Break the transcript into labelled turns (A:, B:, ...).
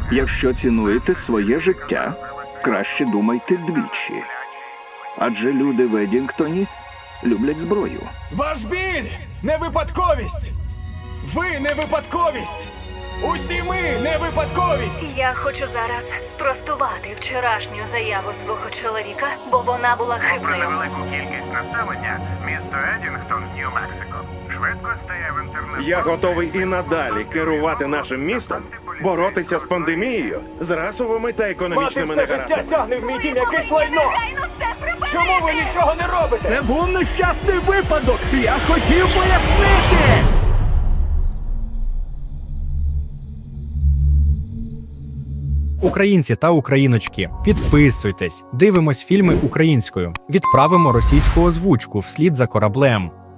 A: Якщо цінуєте своє життя, краще думайте двічі. Адже люди в Едінгтоні люблять зброю.
B: Ваш біль не випадковість! Ви не випадковість! Усі ми не випадковість!
C: Я хочу зараз спростувати вчорашню заяву свого чоловіка, бо вона була
D: Попри
C: хибною.
D: невелику кількість населення, місто Едінгтон, Нью-Мексико, швидко стає в інтернет.
E: Я готовий і надалі керувати нашим містом, боротися з пандемією, з расовими та
B: Мати
E: економічними
B: все життя
E: негараздами.
B: тягне в мій дім якесь лайно! Чому ви нічого не робите?
A: Це був нещасний випадок! Я хотів пояснити!
F: Українці та україночки, підписуйтесь, дивимось фільми українською, відправимо російську озвучку вслід за кораблем.